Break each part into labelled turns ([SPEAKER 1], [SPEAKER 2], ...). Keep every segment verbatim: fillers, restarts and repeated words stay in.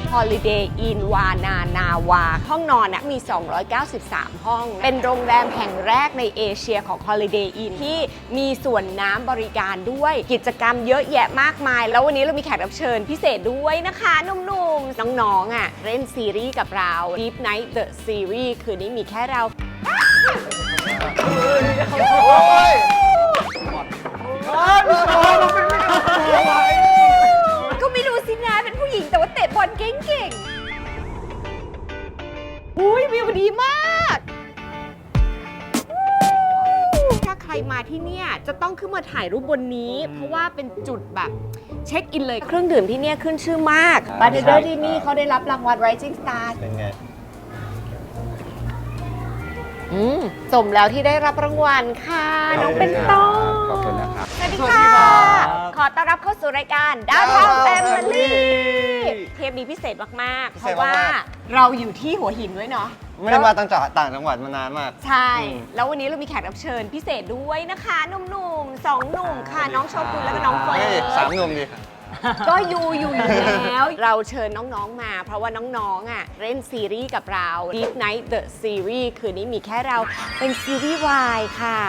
[SPEAKER 1] Holiday Inn วานานาวาห้องนอนนะมีสองร้อยเก้าสิบสามห้องเป็นโรงแรมแห่งแรกในเอเชียของ Holiday Inn ที่มีส่วนน้ำบริการด้วยกิจกรรมเยอะแยะมากมายแล้ววันนี้เรามีแขกรับเชิญพิเศษด้วยนะคะหนุ่มๆน้องๆอ่ะเล่นซีรีส์กับเรา Deep Night The Series คืนนี้มีแค่เราก็ไม่รู้สินะเป็นผู้หญิงแต่ว่าเตะบอลเก่งๆอุ้ยวิวดีมากถ้าใครมาที่เนี่ยจะต้องขึ้นมาถ่ายรูปบนนี้เพราะว่าเป็นจุดแบบเช็คอินเลยเครื่องดื่มที่เนี่ยขึ้นชื่อมากบาร์เทนเดอร์ที่นี่เขาได้รับรางวัล Rising Star
[SPEAKER 2] เป็นไง
[SPEAKER 1] อืมสมแล้วที่ได้รับรางวัลค่ะน้องเป็นต้น
[SPEAKER 2] ขอบคุณนะครับ
[SPEAKER 1] สวัสดีค่ะขอต้อนรับเข้าสู่รายการดาวทาวน์แฟมิลี่เทปนี้พิเศษมากๆเพราะว่าเราอยู่ที่หัวหินด้วยเนาะ
[SPEAKER 2] ไม่ได้มาตั้งจากต่างจังหวัดมานานมาก
[SPEAKER 1] ใช่แล้ววันนี้เรามีแขกรับเชิญพิเศษด้วยนะคะหนุ่มๆสองหนุ่มค่ะน้องโชกุนและก็น้องเฟิร์น
[SPEAKER 2] สามหนุ่มดิ
[SPEAKER 1] ก็อยู่อยู่อยู่แล้วเราเชิญน้องๆมาเพราะว่าน้องๆอ่ะเล่นซีรีส์กับเรา Deep Night The Series คืนนี้มีแค่เราเป็นซีรีส์วายค่ะ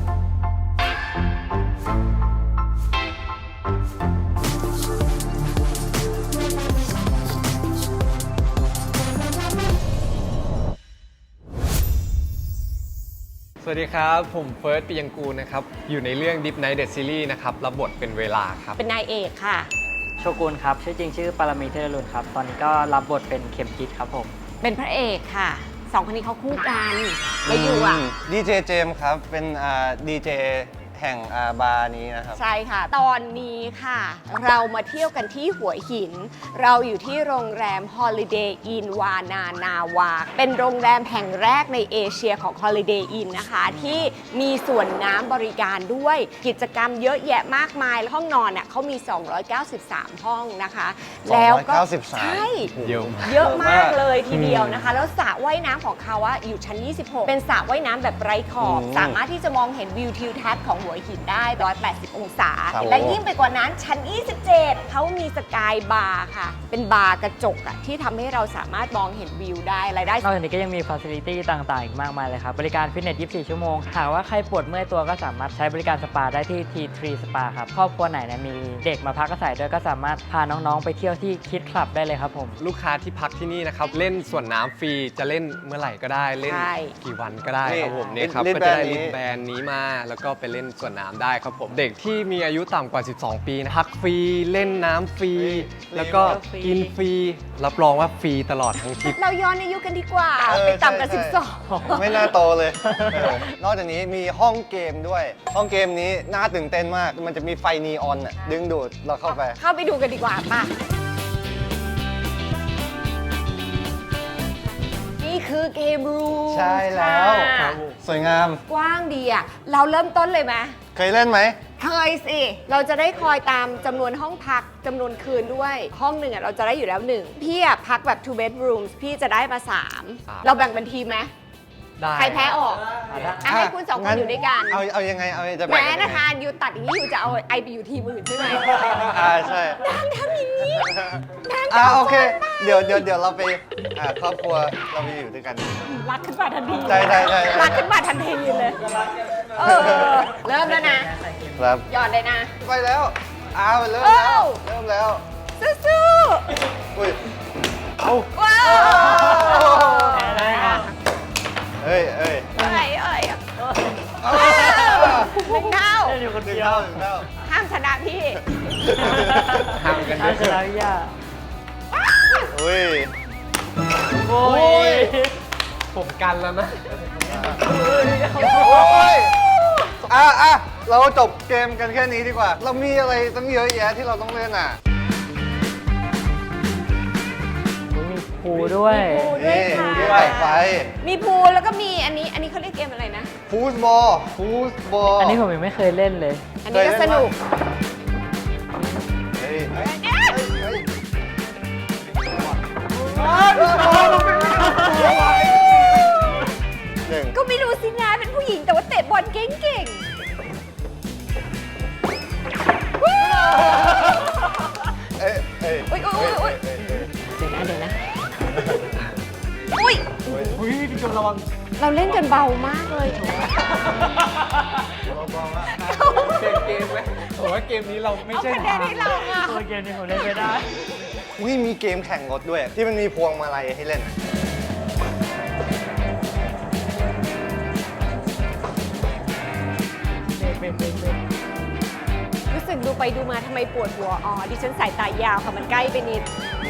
[SPEAKER 3] สวัสดีครับผมเฟิร์สปิยังกูลนะครับอยู่ในเรื่อง Deep Night The Series นะครับรับบทเป็นเวลาครับ
[SPEAKER 1] เป็นนายเอกค่ะ
[SPEAKER 4] โชกุนครับชื่อจริงชื่อปารมีเทรลุนครับตอนนี้ก็รับบทเป็นเข็มทิศครับผม
[SPEAKER 1] เป็นพระเอกค่ะสองคนนี้เขาคู่กันแล้วอยู่อ่ะ
[SPEAKER 2] ดีเจเจมส์ครับเป็นดีเจแห่งบาร์นี้นะครับ
[SPEAKER 1] ใช่ค่ะตอนนี้ค่ะเรามาเที่ยวกันที่หัวหินเราอยู่ที่โรงแรม Holiday Inn วานานาวาเป็นโรงแรมแห่งแรกในเอเชียของ Holiday Inn นะคะที่มีส่วนน้ำบริการด้วยกิจกรรมเยอะแยะมากมายห้องนอนน่ะเขามีสองร้อยเก้าสิบสามห้องนะคะแล้วก็ใช่เยอะมากเลยทีเดียวนะคะแล้วสระว่ายน้ำของเขาอะอยู่ชั้นยี่สิบหกเป็นสระว่ายน้ำแบบไร้ขอบสามารถที่จะมองเห็นวิวทิวทัศน์ของหัวหินได้หนึ่งร้อยแปดสิบองศาและยิ่งไปกว่านั้นชั้นยี่สิบเจ็ดเขามีสกายบาร์ค่ะเป็นบาร์กระจกอะที่ทำให้เราสามารถมองเห็นวิวได้รายได้
[SPEAKER 4] นอกจากนี้ก็ยังมีฟาซิลิตี้ต่างๆอีกมากมายเลยครับบริการฟิตเนสยี่สิบสี่ชั่วโมงหากว่าใครปวดเมื่อยตัวก็สามารถใช้บริการสปาได้ที่ ที ทรี Spa ครับครอบครัวไหนนะมีเด็กมาพักอาศัยด้วยก็สามารถพาน้องๆไปเที่ยวที่คิดคลับได้เลยครับผม
[SPEAKER 3] ลูกค้าที่พักที่นี่นะครับเล่นส่วนน้ำฟรีจะเล่นเมื่อไหร่ก็ได้เล่นกี่วันก็ได้ครับผมเนี่ยครับก็จะได้ลิสแบรนด์นี้มาแล้วก็ไปเล่นส่วนน้ำได้ครับผมเด็กที่มีอายุต่ำกว่าสิบสองปีพักฟรีเล่นน้ำฟรีแล้วก็กินฟรีรับรองว่าฟรีตลอดทั้งทริป
[SPEAKER 1] เราย้อนอายุกันดีกว่าไปต่ำกว่าสิบสอง
[SPEAKER 2] ไม่น่าโตเลยนอกจากนี้มีห้องเกมด้วยห้องเกมนี้น่าตื่นเต้นมากมันจะมีไฟนีออนดึงดูดเราเข้าไป
[SPEAKER 1] เข้าไปดูกันดีกว่าป่ะนี่คือเกมรูม
[SPEAKER 2] ใช่แล้วสวยงาม
[SPEAKER 1] กว้างดีอ่ะเราเริ่มต้นเลยไหม
[SPEAKER 2] เคยเล่นไหม
[SPEAKER 1] เคยสิเราจะได้คอยตามจำนวนห้องพักจำนวนคืนด้วยห้องหนึ่งอ่ะเราจะได้อยู่แล้วหนึ่งพี่อ่ะพักแบบ two bedrooms พี่จะได้มาสามเราแบ่งเป็นทีมไหมใครแพ้ออกให้คุณสองคนอยู่ด้วยกัน
[SPEAKER 2] เอาเอายังไงเอาจะแบ่ง
[SPEAKER 1] แม้นะคะอยู่ตัดอย่างนี้อยู่จะเอาไอไปอยู่ทีมอื่นใช่ไหม
[SPEAKER 2] อ่าใช่
[SPEAKER 1] นางทำอย่างนี้นาง
[SPEAKER 2] อ่าโอเคเดี๋ยวเดี๋ยวเดี๋ยวเราไปอ่าครอบครัวเราไปอยู่ด้วยกัน
[SPEAKER 1] รักขึ้นมาทันที
[SPEAKER 2] ใช่ใช่ใช่
[SPEAKER 1] รักขึ้นมาทันทีเลยเออเริ่มแล้วนะครับหยอดเลยนะ
[SPEAKER 2] ไปแล้วอ้าวเริ่มแล้วเริ่มแล้ว
[SPEAKER 1] สู้
[SPEAKER 2] ๆอุ้ยเอา
[SPEAKER 1] ว้าว
[SPEAKER 2] เอ้ยเอ้ย
[SPEAKER 1] เอ้ยเอ้ยหนึ่งเท่า
[SPEAKER 2] หนึ่งเท่าหนึ่งเท่า
[SPEAKER 1] ห้ามชนะพี่
[SPEAKER 3] ห้ามกันด้วย
[SPEAKER 4] ชนะย่า
[SPEAKER 2] อุ้ย
[SPEAKER 4] โอ้ย
[SPEAKER 3] ผมกันแล้วนะ
[SPEAKER 2] โอ้ยอ่ะอ่ะเราจบเกมกันแค่นี้ดีกว่าเรามีอะไรตั้งเยอะแยะที่เราต้องเล่นอ่ะ
[SPEAKER 4] มีพูด้วย
[SPEAKER 1] มีพู
[SPEAKER 2] ด้วยไฟ
[SPEAKER 1] มีพูแล้วก็มีอันนี้อันนี้เขาเรียกเกมอะไรนะ
[SPEAKER 2] ฟูสบอลฟูสบอล
[SPEAKER 4] อันนี้ผมยังไม่เคยเล่นเลย
[SPEAKER 1] อันนี้ก็สนุก
[SPEAKER 2] เฮ้ย
[SPEAKER 1] ก็ไม่รู้สินะเป็นผู้หญิงแต่ว่าเตะบอลเก่งๆ
[SPEAKER 2] เอ้ยเอ้ย
[SPEAKER 1] อุ้ยอุ้ยอุ้ยนะเดี๋ยวนะ อุ้ย
[SPEAKER 3] อุ้ยพี่ชมระวัง
[SPEAKER 1] เราเล่นกันเบามากเลย
[SPEAKER 3] เปลี่ยนเกมไหมผมว่าเกมนี้เราไม่
[SPEAKER 1] เอา
[SPEAKER 3] ใช่
[SPEAKER 1] คะแนนให้เราอะ
[SPEAKER 4] ตัวเกมนี้ผมเล่นไม่ได้
[SPEAKER 2] อุ้ยมีเกมแข่งรถด้วย ที่มันมีพวงมาลัยให้เล่น
[SPEAKER 1] รู้สึกดูไปดูมาทำไมปวดหัว อ๋อ ดิฉันสายตายาวค่ะ มันใกล้ไปนิด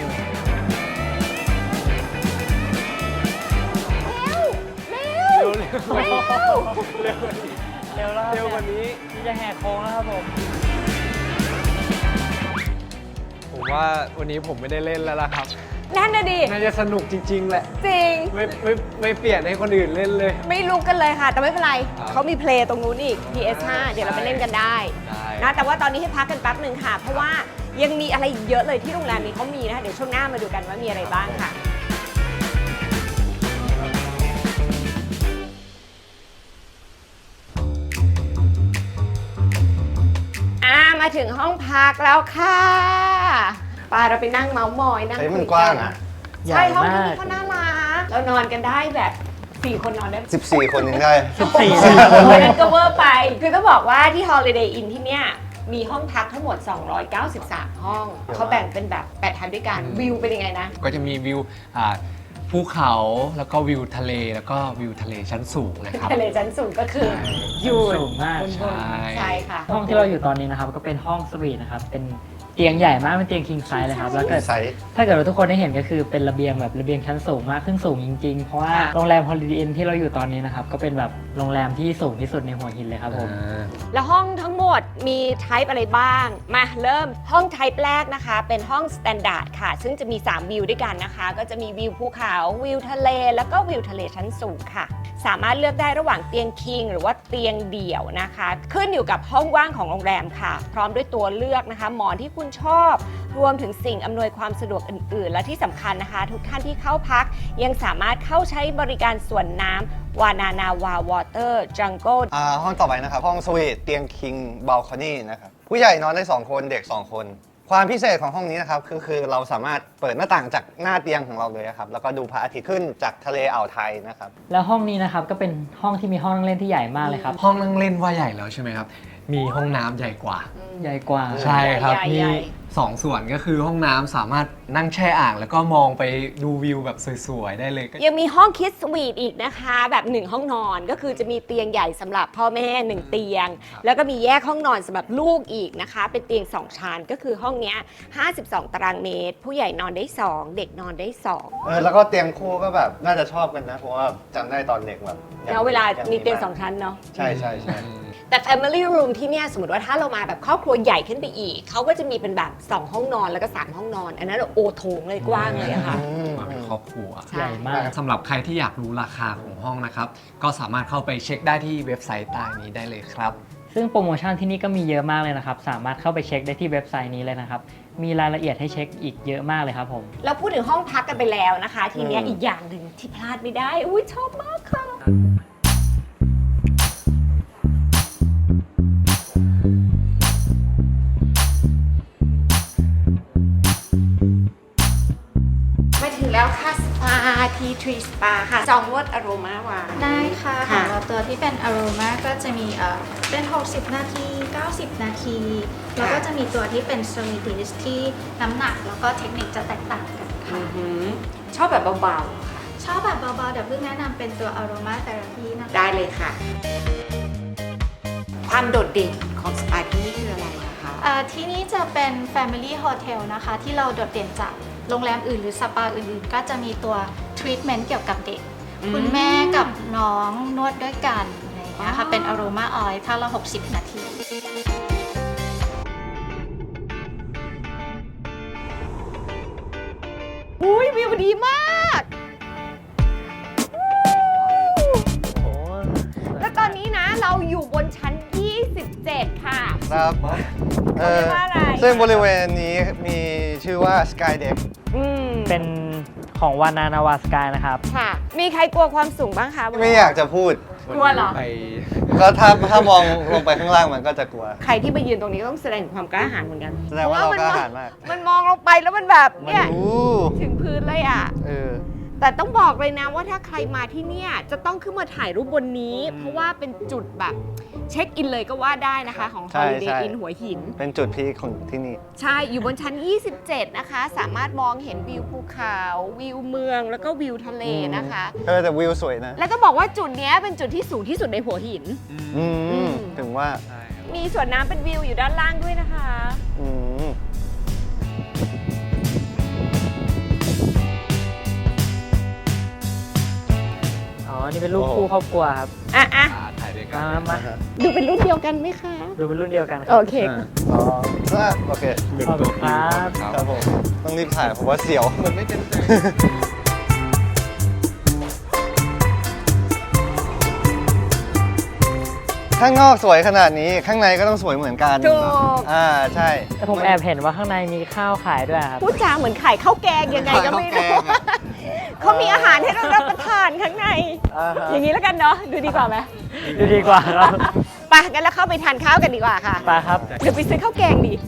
[SPEAKER 1] เร็ว เร็ว
[SPEAKER 3] เร็ว
[SPEAKER 1] เร็ว
[SPEAKER 3] เร็ว
[SPEAKER 4] เร็วแล้วครับ
[SPEAKER 3] เร็วกว่านี้
[SPEAKER 4] นี่จะแหกโค้งแล้วครับผม
[SPEAKER 3] ผมว่าวันนี้ผมไม่ได้เล่นแล้วล่ะครับ
[SPEAKER 1] นั่นน่ะดิ
[SPEAKER 3] น่าจะสนุกจริง ๆ แหละ
[SPEAKER 1] จริง
[SPEAKER 3] ไม่ไม่ไม่เปลี่ยนให้คนอื่นเล่นเลย
[SPEAKER 1] ไม่ลุกกันเลยค่ะ แต่ไม่เป็นไร
[SPEAKER 3] ครับ
[SPEAKER 1] เขามีเพลย์ตรงนู้นอีก พี เอส ห้า เดี๋ยวเราไปเล่นกันได้
[SPEAKER 3] ได้
[SPEAKER 1] นะ แต่ว่าตอนนี้ให้พักกันแป๊บหนึ่งค่ะ เพราะว่ายังมีอะไรเยอะเลยที่โรงแรมนี้เขามีนะคะ เดี๋ยวช่วงหน้ามาดูกันว่ามีอะไรบ้างค่ะ อ่า มาถึงห้องพักแล้วค่ะไปเราไปนั่งเมาส์มอยนั่ง
[SPEAKER 2] เฮ้ยมัน
[SPEAKER 1] คุย
[SPEAKER 2] กว้างอะ
[SPEAKER 1] ใช่ห้อง
[SPEAKER 4] ใหญ่
[SPEAKER 1] ที่
[SPEAKER 4] มาก
[SPEAKER 1] นี่เขาน่ารักเรานอนกันได้แบบสี่คนนอนได้
[SPEAKER 2] สิบสี่ คนยังได้
[SPEAKER 4] สี่
[SPEAKER 1] วันนั้นก็เวอร์ไป คือต้องบอกว่าที่ Holiday Inn ที่เนี่ยมีห้องพักทั้งหมด สองร้อยเก้าสิบสาม ห้อง เขาแบ่งเป็นแบบแปดทันด้วยกัน วิวเป็นยังไงนะ
[SPEAKER 3] ก็จะมีวิวอ่าภูเขาแล้วก็วิวทะเลแล้วก็วิวทะเลชั้นสูงนะครับ
[SPEAKER 1] ทะเลชั้นสูงก็คืออยู่
[SPEAKER 4] สูงมาก
[SPEAKER 1] บนบน
[SPEAKER 3] ใช่
[SPEAKER 1] ใช่ค่ะ
[SPEAKER 4] ห้องที่เราอยู่ตอนนี้นะครับก็เป็นห้องสวีทนะครับ เป็นเตียงใหญ่มาก เป็นเตียง king size เลยครับ แล้วเกิด
[SPEAKER 2] ไซส์
[SPEAKER 4] ถ้าเกิดว่าทุกคนได้เห็นก็คือเป็นระเบียงแบบระเบียงชั้นสูงมากขึ้นสูงจริงๆ เพราะว่า
[SPEAKER 1] ค่ะ
[SPEAKER 4] โรงแรม Holiday Inn ที่เราอยู่ตอนนี้นะครับ ก็เป็นแบบโรงแรมที่สูงที่สุดในหัวหินเลยครับผม
[SPEAKER 3] อ่า
[SPEAKER 1] แล้วห้องทั้งหมดมี type อะไรบ้าง มาเริ่มห้อง type แรกนะคะ เป็นห้อง standard ค่ะ ซึ่งจะมี สาม วิวด้วยกันนะคะ ก็จะมีวิวภูเขาวิวทะเล แล้วก็วิวทะเลชั้นสูงค่ะ สามารถเลือกได้ระหว่างเตียง king หรือว่าเตียงเดี่ยวนะคะ ขึ้นอยู่กับห้องว่างของโรงแรมค่ะ พร้อมด้วยตัวเลือกนะคะ หมอนที่คุณชอบ รวมถึงสิ่งอำนวยความสะดวกอื่น ๆ และที่สำคัญนะคะ ทุกท่านที่เข้าพักยังสามารถเข้าใช้บริการสวนน้ำวานานาวาวอเตอร์จังโก
[SPEAKER 2] อ่าห้องต่อไปนะครับ ห้องสวีทเตียงคิงบ a ลคอนี่นะครับ ผู้ใหญ่นอนได้ สอง คนเด็ก สอง คน ความพิเศษของห้องนี้นะครับคือคือเราสามารถเปิดหน้าต่างจากหน้าเตียงของเราเลยครับ แล้วก็ดูพระอาทิตย์ขึ้นจากทะเลอ่าวไทยนะครับ
[SPEAKER 4] แล้วห้องนี้นะครับก็เป็นห้องที่มีห้องนั่งเล่นที่ใหญ่มากเลยครับ
[SPEAKER 3] ห้องนั่งเล่นว่าใหญ่แล้วใช่ไหมครับ มีห้องน้ำใหญ่กว่า
[SPEAKER 4] ใหญ่กว่า
[SPEAKER 3] ใช่ครับ
[SPEAKER 1] ใหญ่
[SPEAKER 3] มี
[SPEAKER 1] ใหญ่
[SPEAKER 3] สองส่วนก็คือห้องน้ำสามารถนั่งแช่อ่าง แล้วก็มองไปดูวิวแบบสวยๆได้เลยก็
[SPEAKER 1] ยังมีห้องคิดสวีทอีกนะคะ แบบหนึ่งห้องนอนก็คือจะมีเตียงใหญ่สำหรับพ่อแม่หนึ่งเตียง แล้วก็มีแยกห้องนอนสำหรับลูกอีกนะคะ เป็นเตียงสองชั้นก็คือห้องเนี้ยห้าสิบสองตารางเมตร ผู้ใหญ่นอนได้สองเด็กนอนได้สอง
[SPEAKER 2] เออแล้วก็เตียงคู่ก็แบบน่าจะชอบกันนะ เพราะว่าจำได้ตอนเด็กแบบยัง
[SPEAKER 1] แล้วเวลา
[SPEAKER 2] ยัง
[SPEAKER 1] มีเตียง
[SPEAKER 2] บ้
[SPEAKER 1] สองชั้นเนาะ
[SPEAKER 2] ใช่ใช่ใช่
[SPEAKER 1] แต่ Family Room ที่เนี่ยสมมติว่าถ้าเรามาแบบครอบครัวใหญ่ขึ้นไปอีก เขาก็จะมีเป็นแบบสองห้องนอนแล้วก็สามห้องนอน อันนั้นโอโถงเลยกว้างเลยอะค่ะ
[SPEAKER 3] มาเป็นครอบครัว
[SPEAKER 1] ใช่
[SPEAKER 4] ใหญ่มาก
[SPEAKER 3] สำหรับใครที่อยากรู้ราคาของห้องนะครับ ก็สามารถเข้าไปเช็คได้ที่เว็บไซต์ใต้นี้ได้เลยครับ
[SPEAKER 4] ซึ่งโปรโมชั่นที่นี่ก็มีเยอะมากเลยนะครับ สามารถเข้าไปเช็คได้ที่เว็บไซต์นี้เลยนะครับ มีรายละเอียดให้เช็คอีกเยอะมากเลยครับผม
[SPEAKER 1] เราพูดถึงห้องพักกันไปแล้วนะคะ ทีเนี้ย
[SPEAKER 2] อืม
[SPEAKER 1] อีกอย่างหนึ่งที่พลาดไม่ได้ อุ้ยชอบมากค่ะ มาถึงแล้วค่ะสปาทีทรีสปาค่ะจองนวดอโรมาวา
[SPEAKER 5] ได้ค่ะข
[SPEAKER 1] ค่ะ
[SPEAKER 5] องเราตัวที่เป็น Aroma ก็จะมีเอ่อเป็น หกสิบ นาที เก้าสิบ นาที แล้วก็จะมีตัวที่เป็น Solidis ที่น้ำหนักแล้วก็เทคนิคจะแตกต่างกันค่ะ
[SPEAKER 1] อือหือชอบแบบเบาๆค่ะ
[SPEAKER 5] ชอบแบบเบาๆ เดี๋ยวเพิ่งแนะนำเป็นตัว Aroma Therapy นะคะ
[SPEAKER 1] ได้เลยค่ะ ความโดดเด่นของสปาที่นี่คืออะไรอะคะ
[SPEAKER 5] เอ่อที่นี่จะเป็น Family Hotel นะคะ ที่เราโดดเด่นจากโรงแรมอื่นหรือสปาอื่นๆ ก็จะมีตัว Treatment เกี่ยวกับเด็ก
[SPEAKER 1] อืม
[SPEAKER 5] คุณแม่กับน้องนวดด้วยกันอะไรอย่างเงี้ยค่ะ
[SPEAKER 1] อ๋อ
[SPEAKER 5] เป็น Aroma Oil ท่าละ หกสิบ นาที
[SPEAKER 1] อุ้ยวิวดีมาก แล้วตอนนี้นะเราอยู่บนชั้น ยี่สิบเจ็ด ค่ะ
[SPEAKER 2] ครับเออ
[SPEAKER 1] เขาเรียกว่าอะไร
[SPEAKER 2] ซึ่งบริเวณนี้มีชื่อว่า Sky Deck
[SPEAKER 1] อืม
[SPEAKER 4] เป็นของวานานาวาสกายนะครับ
[SPEAKER 1] ค่ะ มีใครกลัวความสูงบ้างคะ
[SPEAKER 2] ไม่อยากจะพูด
[SPEAKER 1] กลัวเหรอ
[SPEAKER 3] ไป
[SPEAKER 2] ก็ถ้าถ้ามองลงไปข้างล่างมันก็จะกลัว
[SPEAKER 1] ใครที่มายืนตรงนี้ต้องแสดงถึงความกล้าหาญเหมือนกัน
[SPEAKER 2] แสดงว่าเรากล้าหาญมาก
[SPEAKER 1] มันมองลงไปแล้วมันแบบเนี่ย
[SPEAKER 2] โอ้
[SPEAKER 1] ถึงพื้นเลยอ่ะ
[SPEAKER 2] เออ
[SPEAKER 1] แต่ต้องบอกเลยนะว่าถ้าใครมาที่เนี่ยจะต้องขึ้นมาถ่ายรูปบนนี้ เพราะว่าเป็นจุดแบบเช็คอินเลยก็ว่าได้นะคะ ของ
[SPEAKER 2] ใช่
[SPEAKER 1] Holiday
[SPEAKER 2] ใช่
[SPEAKER 1] Inn หัวหิน
[SPEAKER 2] เป็นจุดพีคของที่นี่
[SPEAKER 1] ใช่ อยู่บนชั้น ยี่สิบเจ็ด นะคะ สามารถมองเห็นวิวภูเขา วิวเมือง แล้วก็วิวทะเลนะคะ
[SPEAKER 2] เออแต่วิวสวยนะ
[SPEAKER 1] แล้วต้องบอกว่าจุดเนี้ยเป็นจุดที่สูงที่สุดในหัวหิน
[SPEAKER 2] อื
[SPEAKER 1] อื
[SPEAKER 2] ม
[SPEAKER 1] ม
[SPEAKER 2] ถึงว่า
[SPEAKER 1] มีสวนน้ำเป็นวิวอยู่ด้านล่างด้วยนะคะ
[SPEAKER 2] อืม
[SPEAKER 4] อ๋อ นี่เป็นรูปคู่ครอบครัวครับ
[SPEAKER 1] อ่ะอ่ะ
[SPEAKER 3] ถ่ายด้วยกั
[SPEAKER 4] มาน มา
[SPEAKER 1] ดูเป็นรุ่นเดียวกันไหมคะ
[SPEAKER 4] ดูเป็นรุ่นเดียวกันค
[SPEAKER 1] โอ
[SPEAKER 4] รับ
[SPEAKER 1] เค
[SPEAKER 2] อ๋ออ่ะโอเค
[SPEAKER 4] ขอบคุณครับ
[SPEAKER 2] ครับผม ต้องรีบถ่ายเพราะว่าเสียว
[SPEAKER 3] มันไม่เต็มใจ
[SPEAKER 2] ข้างนอกสวยขนาดนี้ ข้างในก็ต้องสวยเหมือนกัน
[SPEAKER 1] ถูก
[SPEAKER 2] อ่า ใช่
[SPEAKER 4] แต่ผมแอบเห็นว่าข้างในมีข้าวขายด้วยครับ
[SPEAKER 1] พูดจาเหมือนไข่ข้าวแกงยังไงก็ไม่รู้
[SPEAKER 2] ข้าวแกงอะ
[SPEAKER 1] เขามีอาหารให้เรารับประทานข้างใน
[SPEAKER 2] อ่าฮะ
[SPEAKER 1] อย่างนี้แล้วกันเนาะ ดูดีกว่าไหม
[SPEAKER 4] ดูดีกว่าครับ
[SPEAKER 1] ไปงั้นเราเข้าไปทานข้าวกันดีกว่าค่ะ
[SPEAKER 4] ไปครับ
[SPEAKER 1] เดี๋ยวไปซื้อข้าวแกงดี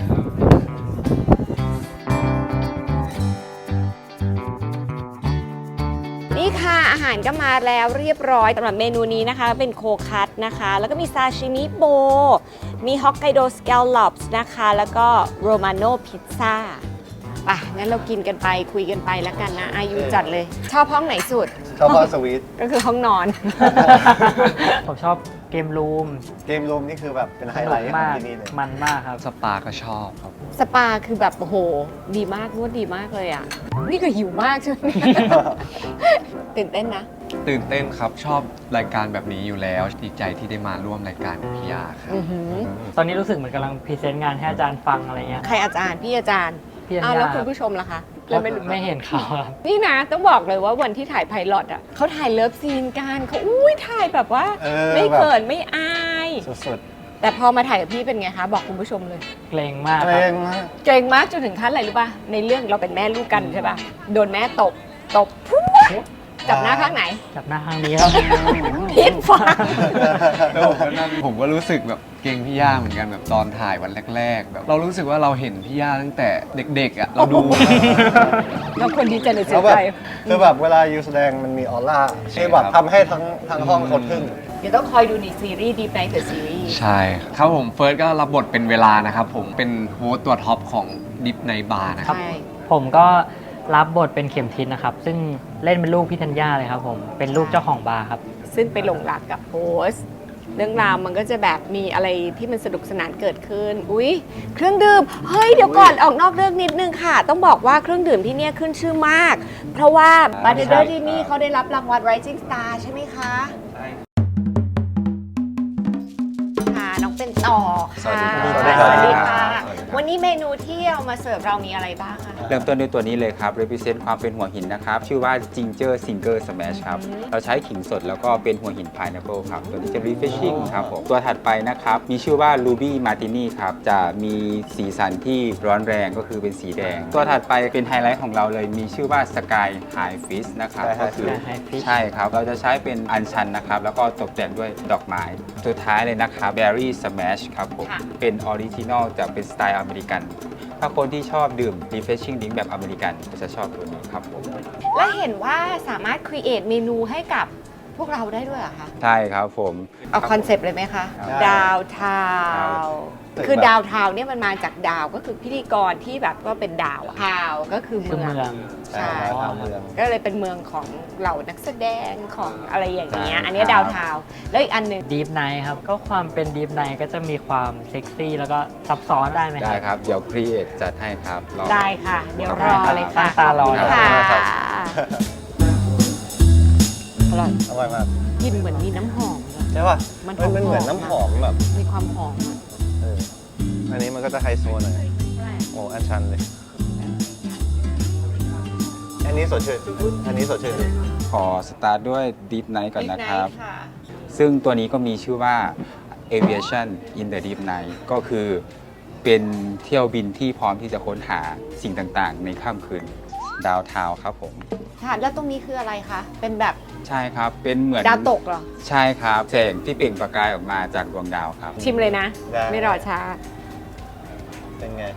[SPEAKER 1] นี่ค่ะอาหารก็มาแล้วเรียบร้อยสำหรับเมนูนี้นะคะ เป็นโคคัตนะคะ แล้วก็มีซาชิมิโบ มีฮอกไกโดสแกลลอปส์นะคะ แล้วก็โรมาโนพิซซ่าไปงั้นเรากินกันไปคุยกันไปแล้วกันนะ อายุจัดเลย ชอบห้องไหนสุด
[SPEAKER 2] ชอบพอสวีท
[SPEAKER 1] ก็คือห้องนอน
[SPEAKER 4] ผมชอบเกมรูม
[SPEAKER 2] เกมรูมนี่คือแบบเป็นไฮ
[SPEAKER 4] ส
[SPEAKER 2] ไล
[SPEAKER 4] นุก
[SPEAKER 2] ท์ของ
[SPEAKER 4] มาก
[SPEAKER 2] ที่นี่เลย
[SPEAKER 4] มันมากครับ
[SPEAKER 3] สปาก็ชอบครับ
[SPEAKER 1] สปาคือแบบโอ้โห ดีมากนวดดีมากเลยอ่ะ นี่ก็หิวมากใช่ไหม ตื่นเต้นนะ
[SPEAKER 3] ตื่นเต้นครับชอบรายการแบบนี้อยู่แล้วดีใจที่ได้มาร่วมรายการกับพี่ยาครับ
[SPEAKER 1] อือหือ
[SPEAKER 4] ตอนนี้รู้สึกเหมือนกำลังพรีเซนต์งานให้อาจารย์ฟังอะไรเงี้ย
[SPEAKER 1] ใครอาจารย์ พี่อาจารย์
[SPEAKER 4] พี่อัญ
[SPEAKER 1] อ้าว
[SPEAKER 4] ญา
[SPEAKER 1] แล้วคุณผู้ชมล่ะคะ
[SPEAKER 4] ก็
[SPEAKER 1] เลยไม่รู้
[SPEAKER 4] ไม่เห็นเขาครับ
[SPEAKER 1] นี่นะต้องบอกเลยว่าวันที่ถ่ายไพลอตอ่ะเขาถ่ายเลิฟซีนกันเขาอุ้ยถ่ายแบบว่า
[SPEAKER 2] เออ
[SPEAKER 1] ไม่
[SPEAKER 2] แบบ
[SPEAKER 1] เขินไม่อาย
[SPEAKER 2] สุด
[SPEAKER 1] แต่พอมาถ่ายกับพี่เป็นไงคะ บอกคุณผู้ชมเลย
[SPEAKER 4] เกรงมาก
[SPEAKER 2] ๆ
[SPEAKER 4] ค
[SPEAKER 2] เกร
[SPEAKER 4] รับ
[SPEAKER 2] งมาก
[SPEAKER 1] เกรงมากจนถึงขั้นอะไรรู้ป่ะ ในเรื่องเราเป็นแม่ลูกกันใช่ป่ะ โดนแม่ตบ ตบปุ๊บจับหน้าข้างไหน
[SPEAKER 4] จับหน้าข้างนี้ครับ
[SPEAKER 1] พิษฟัง
[SPEAKER 3] แล้วผมก็นั่งผมก็รู้สึกแบบเก่งพี่ย่าเหมือนกันแบบตอนถ่ายวันแรก ๆ แบบเรารู้สึกว่าเราเห็นพี่ย่าตั้งแต่เด็กๆอ่ะเราดู
[SPEAKER 1] เราควรดีใจหรือเสี
[SPEAKER 2] แล้
[SPEAKER 1] ยว
[SPEAKER 2] แบ
[SPEAKER 1] ใจ
[SPEAKER 2] บคือแบบเวลายูแสดงมันมีออร่าที่แบบทำให้ทั้งทั้งห้องคนขึ้น
[SPEAKER 1] เดี๋ยวต้องคอยดูในซีรีส์ดีไนท์เดอะซีรีส์
[SPEAKER 3] ใช่ครับผมเฟิร์สก็รับบทเป็นเวลานะครับผมเป็นโฮสต์ตัวท็อปของดิฟในบาร์นะครับ
[SPEAKER 1] ใช่
[SPEAKER 4] ผมก็รับบทเป็นเข็มทิศนะครับ ซึ่งเล่นเป็นลูกพี่ธัญญาเลยครับผม เป็นลูกเจ้าของบาร์ครับ
[SPEAKER 1] ซึ่งไปหลงรักกับโฮสต์เรื่องราวมันก็จะแบบมีอะไรที่มันสนุกสนานเกิดขึ้น อุ๊ย เครื่องดื่ม เฮ้ย เดี๋ยวก่อนออกนอกเรื่องนิดนึงค่ะ ต้องบอกว่าเครื่องดื่มที่เนี่ยขึ้นชื่อมาก เพราะว่าบาร์เทนเดอร์ที่นี่เขาได้รับรางวัล Rising Star ใช่ไหมคะค่ะน้องเป็นต่อค่ะ
[SPEAKER 2] สวัสดีครับ
[SPEAKER 1] สวัสดีค่ะ
[SPEAKER 6] สวัสดีครับ
[SPEAKER 1] วันนี้เมนูที่เอามาเสิร์ฟเรามีอะไรบ้างคะ
[SPEAKER 6] เริ่มต้นด้วยตัวนี้เลยครับ represent ความเป็นหัวหินนะครับ ชื่อว่า Ginger Singer Smash ครับ เราใช้ขิงสดแล้วก็เป็นหัวหิน Pineapple ครับ ตัวนี้จะ refreshing ครับผม ตัวถัดไปนะครับ มีชื่อว่า Ruby Martini ครับ จะมีสีสันที่ร้อนแรงก็คือเป็นสีแดง ตัวถัดไปเป็นไฮไลท์ของเราเลย มีชื่อว่า Sky High Fish นะครับ
[SPEAKER 2] Sky High
[SPEAKER 6] ก็คือ
[SPEAKER 4] Fish High Fish
[SPEAKER 6] ใช่ครับ เราจะใช้เป็นอัญชันนะครับ แล้วก็ตกแต่งด้วยดอกไม้ สุดท้ายเลยนะครับ Berry Smash ครับผม
[SPEAKER 1] ค่ะ
[SPEAKER 6] เป็นออริจินอลจะเป็นสไตล์อเมริกัน ถ้าคนที่ชอบดื่ม refreshing drink แบบอเมริกันก็จะชอบตัวนี้ครับผม
[SPEAKER 1] และเห็นว่าสามารถครีเอทเมนูให้กับพวกเราได้ด้วยเหรอคะ
[SPEAKER 6] ใช่ครับผม
[SPEAKER 1] เอาคอนเซปต์เลยไหมคะ
[SPEAKER 2] ได้
[SPEAKER 1] ดาวทาว
[SPEAKER 2] ครับ
[SPEAKER 1] คือดาวทาวเนี่ยมันมาจากดาวก็คือพิธีกรที่แบบก็เป็นดาวทาวก็คือ
[SPEAKER 4] คือ
[SPEAKER 1] เมือง
[SPEAKER 4] เมือง
[SPEAKER 2] ใช่ดาวเมือง
[SPEAKER 1] ก็เลยเป็นเมืองของเหล่านักแสดงของอะไรอย่างเงี้ย
[SPEAKER 6] ใช่
[SPEAKER 1] อันนี้
[SPEAKER 6] ครับ
[SPEAKER 1] ดาวทาวแล้วอีกอันหนึ่ง
[SPEAKER 4] ดีฟไนท์ครับ ก็ความเป็นดีฟไนท์ก็จะมีความเซ็กซี่แล้วก็ซับซ้อนได้ไหมค
[SPEAKER 6] ได้
[SPEAKER 4] รับ
[SPEAKER 6] ครับ เดี๋ยว create จัดให้ครับรอ
[SPEAKER 1] ได้ค่ะ เดี๋ยวรอเลยค่ะ
[SPEAKER 4] ตั้งตารอ
[SPEAKER 1] ขบคุณค่ะ
[SPEAKER 2] ครับ
[SPEAKER 1] อร่อย
[SPEAKER 2] อร่อยมาก
[SPEAKER 1] กลินเหมือนมีน้ำหอมเลย
[SPEAKER 2] ใช่ป่ะ
[SPEAKER 1] มัน
[SPEAKER 2] มันเป็น
[SPEAKER 1] หอมๆ
[SPEAKER 2] เหมือนน้ำหอมแบบ
[SPEAKER 1] มีความหอมอะ
[SPEAKER 2] เอออันนี้มันก็จะไฮโซหน่อย โอ้อันชันเลย อันนี้สดชื่น อันนี้สดชื่น
[SPEAKER 6] ขอสตาร์ทด้วย deep night ก่อนนะครับ
[SPEAKER 1] Midnight ค่ะ
[SPEAKER 6] ซึ่งตัวนี้ก็มีชื่อว่า aviation in the deep night ก็คือเป็นเที่ยวบินที่พร้อมที่จะค้นหาสิ่งต่างๆ ในค่ำคืนดาวทาวครับผม
[SPEAKER 1] ค่ะแล้วตรงนี้คืออะไรคะ เป็นแบบ
[SPEAKER 6] ใช่ครับ เป็นเหมือน
[SPEAKER 1] ดาวตกเหรอ
[SPEAKER 6] ใช่ครับแสงที่เปล่งประกายออกมาจากดวงดาวครับ
[SPEAKER 1] ชิมเลยนะ
[SPEAKER 2] ได้
[SPEAKER 1] ไม่รอช้า
[SPEAKER 2] เป็นไง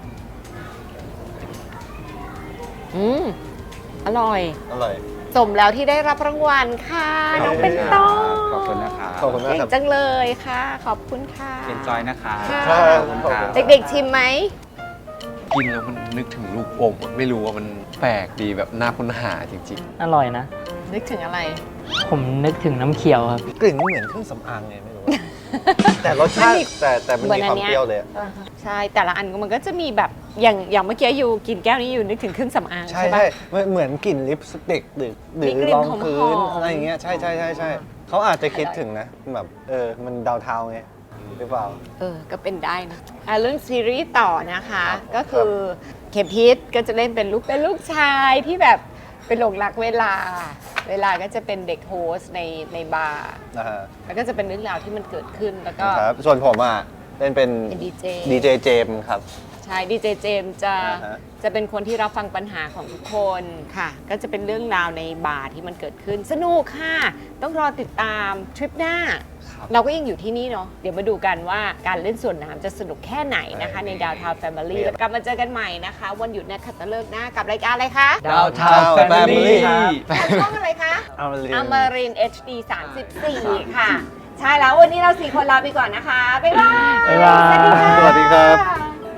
[SPEAKER 1] อืม อร่อย
[SPEAKER 2] อร่อย
[SPEAKER 1] สมแล้วที่ได้รับรางวัลค่ะ น้องเป็นต้อ
[SPEAKER 6] ขอบคุณนะครับ
[SPEAKER 2] ขอบคุณมาก
[SPEAKER 1] เก่ง
[SPEAKER 2] ครับ
[SPEAKER 1] จังเลยค่ะ ขอบคุณค่ะ
[SPEAKER 6] เอนจอยนะครับ
[SPEAKER 1] ค่ะ
[SPEAKER 6] ขอบคุณครับ
[SPEAKER 1] เด็กๆชิมไหม
[SPEAKER 3] กินแล้วมันนึกถึงลูกอมอะไม่รู้ว่ามันแปลกดีแบบน่าค้นหาจริง
[SPEAKER 4] อร่อยนะ
[SPEAKER 1] นึกถึงอะไร
[SPEAKER 4] ผมนึกถึงน้ำเขียวครับ
[SPEAKER 2] กลิ่นไม่เหมือนเครื่องสำอางไงไม่รู้ แต่รสชาติแต่แต่มัน
[SPEAKER 1] เหมือน
[SPEAKER 2] มี
[SPEAKER 1] อั
[SPEAKER 2] คน วาม
[SPEAKER 1] เนี้ย
[SPEAKER 2] เปรี้ยวเลยอะ
[SPEAKER 1] ใช่ แต่ละอันมันก็จะมีแบบ อย่างอย่างเมื่อกี้อยู่กินแก้วนี้อยู่นึกถึงเครื่องสำอาง
[SPEAKER 2] ใช่
[SPEAKER 1] ใช่ปะ
[SPEAKER 2] ใช่เหมือนเหมือนกลิ่นลิปสติกหรือหรื
[SPEAKER 1] มี
[SPEAKER 2] อก
[SPEAKER 1] ลิ่น
[SPEAKER 2] รอง
[SPEAKER 1] หอมๆ
[SPEAKER 2] พื้นอะไรอย่างเงี้ยใช่ใช่ใช่ใช่เขาอาจจะคิดถึงนะแบบเออมันดาวเทาไงหรือเปล่า
[SPEAKER 1] เออ ก็เป็นได้นะอ่ะเรื่องซีรีส์ต่อนะคะ
[SPEAKER 2] ครับ
[SPEAKER 1] ก็คือเข็มพิษก็จะเล่นเป็นลูกเป็นลูกชายที่แบบเป็นหลงรักเวลา เวลาก็จะเป็นเด็กโฮสต์ในในบาร์
[SPEAKER 2] นะฮะ
[SPEAKER 1] แล้วก็จะเป็นเรื่องราวที่มันเกิดขึ้นแล้วก็
[SPEAKER 2] ครับส่วนผมอ่ะเล่นเป็น
[SPEAKER 1] เป็นดีเจ
[SPEAKER 2] ดีเจเจมส์ครับ
[SPEAKER 1] ใช่ดีเจเจมส์จะ
[SPEAKER 2] อ่าฮะ
[SPEAKER 1] จะเป็นคนที่รับฟังปัญหาของทุกคนค่ะ ก็จะเป็นเรื่องราวในบาร์ที่มันเกิดขึ้น สนุกค่ะ ต้องรอติดตามทริปหน้า เราก็ยังอยู่ที่นี่เนาะเดี๋ยวมาดูกันว่าการเล่นสวนน้ำจะสนุกแค่ไหนนะคะ ในดาวทาวน์แฟมิลี่แล้วกลับมาเจอกันใหม่นะคะ วันหยุดนักขัตฤกษ์หน้ากับรายการอะไรคะ
[SPEAKER 3] ๆ ดาวทาวน์แฟมิลี่
[SPEAKER 1] ทางช่องอะไรคะ
[SPEAKER 2] เอามาเรียน
[SPEAKER 1] อมริน เอช ดี สามสิบสี่ ค่ะ ใช่แล้ววันนี้เราสี่คนลาไปก่อนนะคะ บ๊ายบาย
[SPEAKER 4] บ๊ายบาย
[SPEAKER 1] สวัสดีค่ะ
[SPEAKER 2] สวัสดีครับ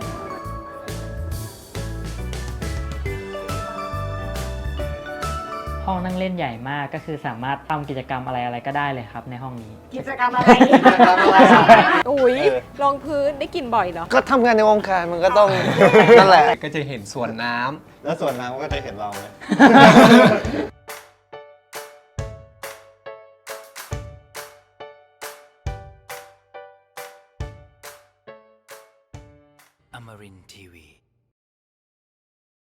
[SPEAKER 4] ห้องนั่งเล่นใหญ่มากก็คือสามารถทำกิจกรรมอะไรอะไรก็ได้เลยครับในห้องนี้
[SPEAKER 1] กิจกรรมอะไรอุ้ยรองพื้นได้กลินบ่อยเหรอ
[SPEAKER 2] ก็ทำงานในวงการมันก็ต้อง นั่นแหละ
[SPEAKER 3] ก็จะเห็นสวนน้ำ
[SPEAKER 2] แล้วส่วนน้ำก็จะเห็นเราไหม